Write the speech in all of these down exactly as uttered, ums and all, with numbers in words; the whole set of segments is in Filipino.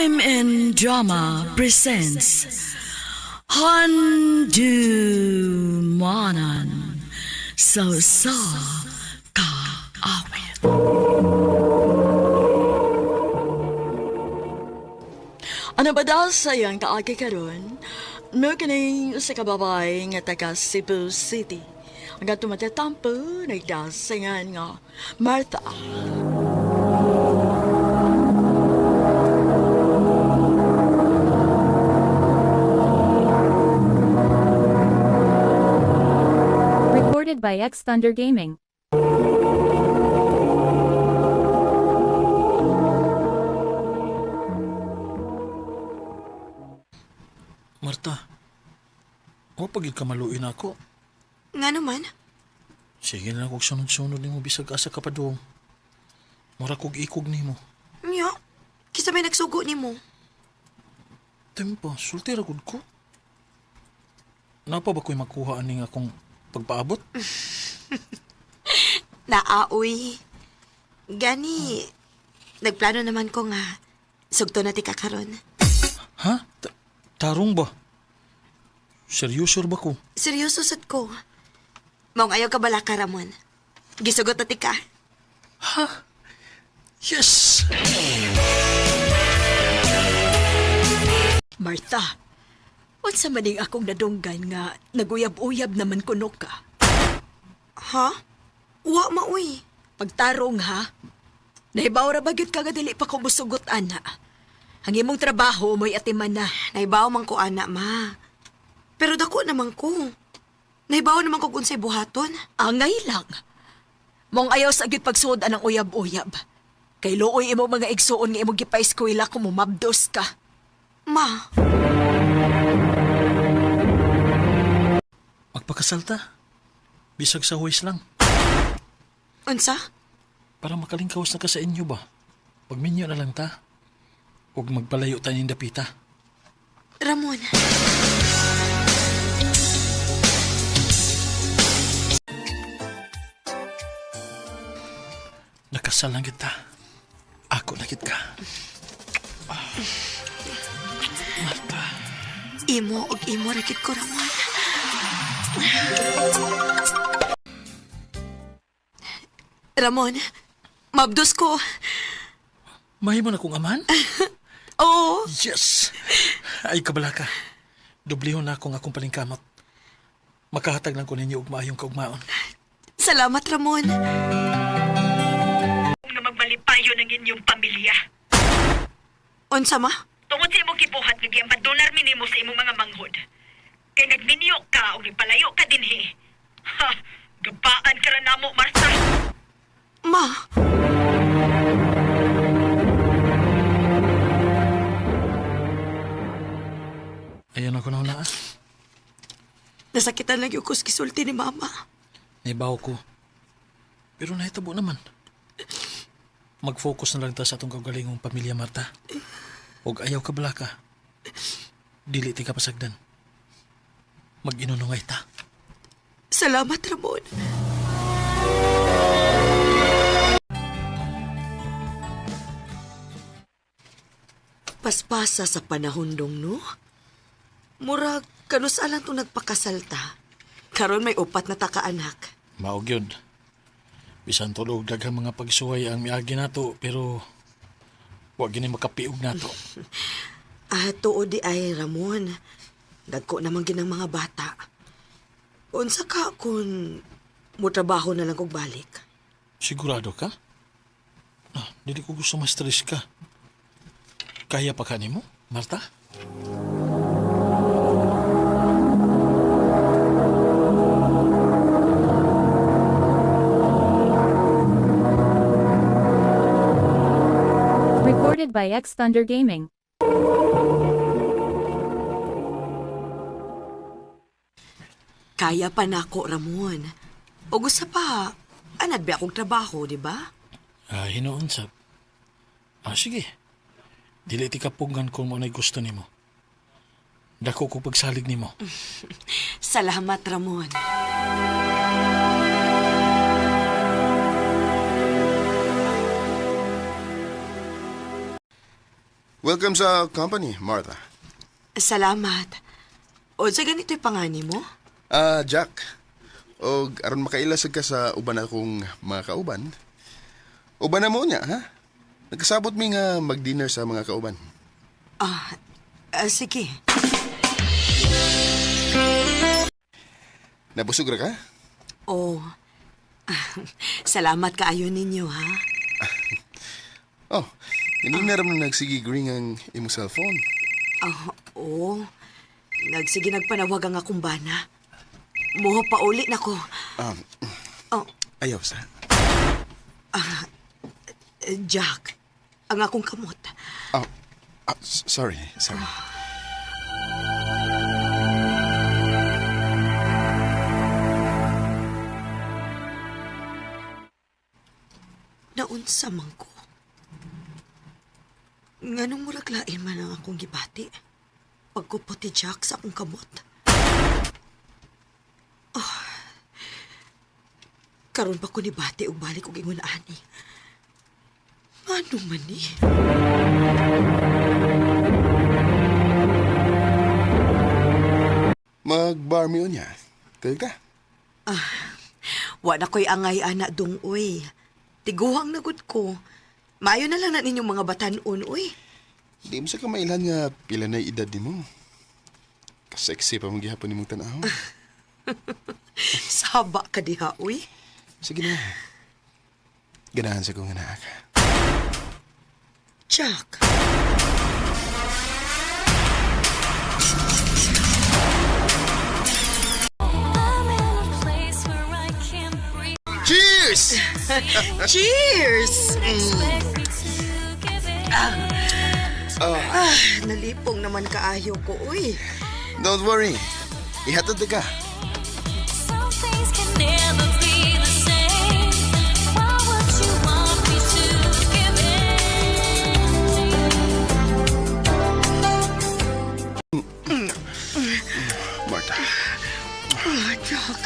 M N Drama presents Handumanan So Sa Ka Awit. Ano ba daw sayang kaagi karon? No kini sa kababay nga taga Cebu City. Ang tumatatampo nagdasingan nga Martha. Recorded by X Thunder Gaming. Marta, o pagid ka maluin ako. Nga naman? Sige na kog sunod-sunod nimo bisag asa ka pa doon. Mura kog ikog nimo. Nya, kisa may nagsugo ni mo. Tempo, sulti ra gud ko. Napa ba ko'y makuha aning akong pagpaabot? Naaoy. Gani, nagplano naman ko nga sugto na ti kakaron. Ha? Ta- tarong ba? Seryoso ba ko? Seryoso sad ko. Maong ayaw ka bala ka, Ramon. Gisugot na ti ka. Ha? Yes! Martha, what's sa maning akong nadunggan nga naguyab-uyab naman kuno ka? Ha? Wa maoy. Pagtarong ha? Nahibaw ra bagit ka nga dili pa ko musugot ana. Ang imong trabaho mo'y atiman na. Naibaw man ko, ana, ma. Pero dako naman ko. Naibaw naman ko unsay buhaton. Angay lang. Mong ayaw sa agit pagsuod anang uyab-uyab. Kay looy imo mga igsuon nga imong gipa-eskwela kung mumabdos ka. Ma, Magpakasalta. Bisag sa huwis lang. unsa? Para makalingkawas na ka sa inyo ba? Pagminyo na lang ta. Huwag magpalayo tayo ng dapita. Ramon. Nakasal lang kita. Ako na kita. Marta. Imo og imo rakit ko, Ramon. Ramon, mabdos ko. Mahimo na kong aman? Oo. Yes! Ay, kabala ka. Dublihon na akong akong palingkamot. Makahatag lang ko ninyo og maayong kaugmaon. Salamat, Ramon. Nga magbalipayo ng inyong pamilya. Unsa, ma? Tungod sa imong kibuhat, nagyang padolar minimo sa imong mga manghod. Kay nagminyo ka o nipalayo ka dinhi. Ha! Gabaan ka ra namo, Martha. Ma, Ayan ako na hulaan. nasakitan lang yung kuskisulti ni Mama. Naibaw ko. Pero nahitabo naman. Mag-focus na lang ta sa atong kagalingong pamilya, Marta. Huwag ayaw ka bala ka. Dili ti ka pasagdan. Mag-inunungay ta. Salamat, Ramon. Paspasa sa panahon dong, no? Murag, kanus alang itong nagpakasalta. Karon may upat na takaanak. Maog yun. Bisan tulog daghang mga pagsuway ang miagi nato, pero huwag gini makapiog nato. Ah, tuod di ay, Ramon. Dagko naman ginang mga bata. Unsa ka kung mutrabaho na lang kog balik? Sigurado ka? Ah, dili ko gusto ma-stress ka. Kaya pa ka nimo, Marta? Recorded by X Thunder Gaming. Kaya pa nako, Ramon. O gusto pa, anad ba akong trabaho, di ba? Ah, hinoon sab. Ah, sige. Dili ti kapungan kung mo na'y gusto nimo. Dako ko pagsalig nimo. Salamat, Ramon. Welcome sa company, Martha. Salamat. O sa ganito'y pangani mo? Ah, Jack. O aron makailasag ka sa uban akong mga kauban. Uban na mo niya, ha? Nagkasabot mi nga mag-dinner sa mga kauban. Ah, ah, sige. Nabusog ra ka? Oh, salamat kaayo ninyo, ha? Oh, hindi na rin nagsigigring ang imo cellphone. Ah, oo. Nagsige nagpanawag ang akong bana. Muha pa uli na ko. Um, Oh, ayaw sa. eh, Jack, ang akong kamot. Oh, ah, s- sorry, sorry. Naunsa man ko. Nganong muraglain man ang akong gibati. Pagkupot ti Jack sa akong kamot. Oh. Karon pa ko ni bati og balik og ingon ani. Ano man ni? Mag-bar meal niya. Kaya ka? Wa na ko'y angay ana dong uy. Tiguhang nagud ko. Maayo na lang na ninyong mga batanon uy. Di mo sa kamailan nga pila na edad ni mo. Kasexy pa mong gihapon ni mong tanaw. Saba ka diha uy. Sige na. Ganahan sa kong anak. Jack. Cheers! Cheers! Ah, nalipong naman kaayo ko uy. Don't worry. Ihatod na ka. Some things can never be the same. Why would you want me to give in? Martha. Ah, Jack.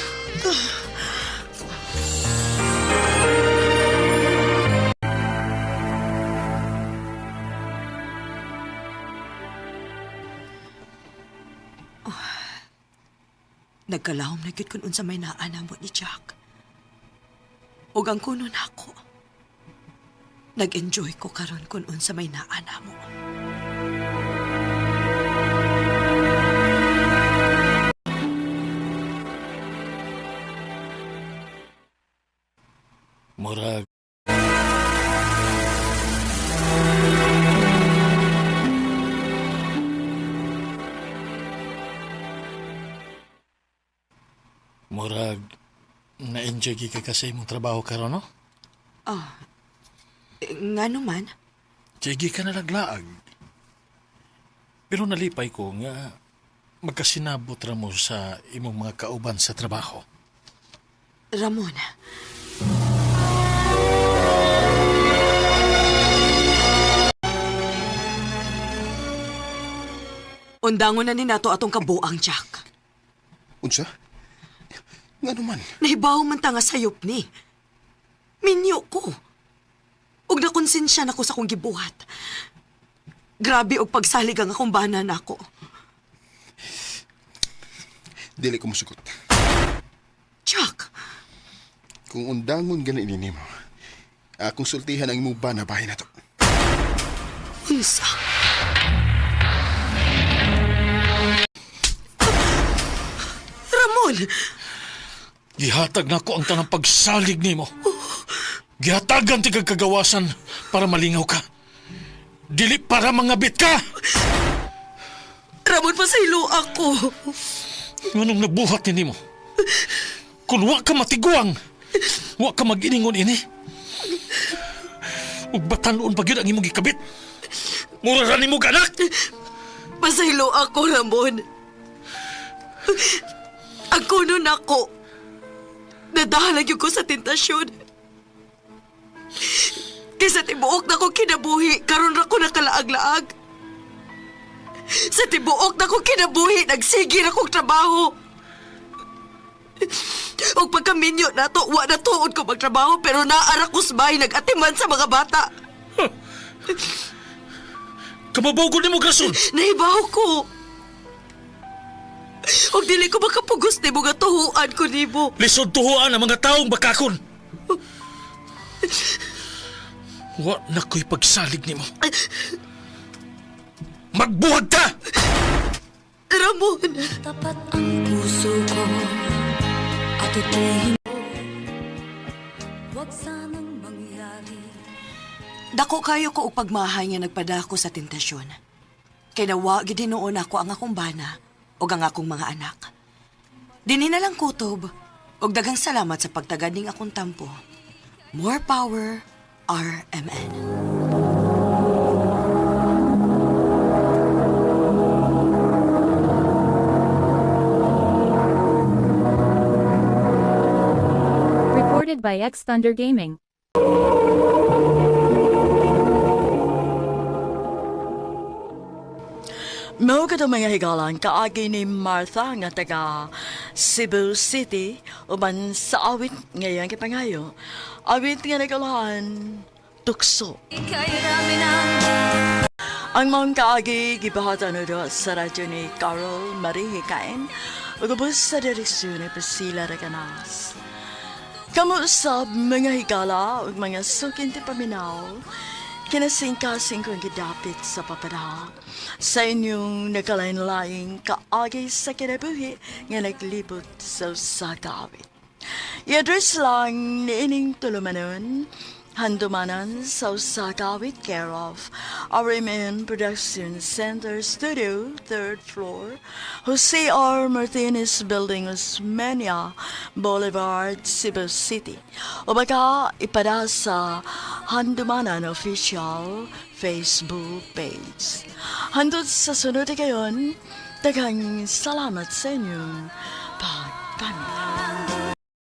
Nagkalahom na gyud kun unsa may naana mo ni Jack. Ug ang kuno nako. Nag-enjoy ko karon kun unsa may naana mo. Murag. Murag, na-enjoy gi ka kasi imong trabaho karon, no? Ah, eh, nga naman. Sige ka na naglaag. Pero nalipay ko nga magkasinabot ra mo sa imong mga kauban sa trabaho. Ramon, undangon na ni nato atong kabuang, Jack. Unsa? Nga naman. Nahibaw man ta nga sayop ni. Minyo ko. Ug nakonsensya na ko sa kong gibuhat. Grabe og pagsalig ang akong bana nako. Dili ko musugot. Jack, Kung undangon ganin ini mo, akong sultihan ang imong bana bahay na to. unsa? Ramon! Gihatag na ko ang tanang pagsalig nimo. Gihatagan ti kag kagawasan para malingaw ka. Dili para mangabit ka. Ramon, pasaylo ako. Nganong nabuhat ni nimo? Kung wa ka matiguang, wa ka mag-iningon ini. Ug batanon pa gyud ang imong gikabit. Mura ra nimo ganak. Pasaylo ako, Ramon. Ang kuno nako. Nadahalag yun ko sa tentasyon. Kaysa tibuok na ko kinabuhi, karon ra ko nakalaag-laag. Sa tibuok na ko kinabuhi, nagsigir akong trabaho. O pagkaminyo na to, wa na tuod ko magtrabaho, pero naara ko sabay nag-atiman sa mga bata. Kamabaw ko ni mo, Grason! Nahibaw ko. Og dili ko makapugos ni mo nga tuhuan ko ni mo. Lisod tuhuan ang mga taong bakakon! Wa na ko'y pagsalig ni mo. Magbuhag ta! Ramon. Tapat ang puso ko at ito'y huwag sanang mangyari. Dako kayo ko og pagmahay nga nagpadako sa tentasyon. Kay nawa gid hinuon ako ang akong bana og ang akong mga anak. Dinhi na lang kutob og daghang salamat sa pagtagad ning akong tampo. More power, R M N. Recorded by X Thunder Gaming. Mao ka mga higalan kaagi ni Martha nga taga Cebu City uban sa awit ngayon kay pangayo. Awit nga nagalahan tukso. Ika'y rami ng Ang mga kaagi gibahatan do sa radyo ni Carol Marie Hikain ug ubos sa direksyon ni Priscilla Reganas. Kamu sa mga higala ug mga sukin ti paminaw kinasingkasing kong gidapit sa papadaw sa inyong nakalain-laing kaagi sa kinabuhi nga naglibot sa sagawit. I-address lang ni ining tulumanon, handumanan sa sagawit care of R M N Production Center Studio, third floor, Jose R. Martinez Building, Osmeña Boulevard, Cebu City. O baka ipada sa Handumanan Official Facebook page. Handod sa sunod kayon, daghang salamat sa inyong pagpamilya.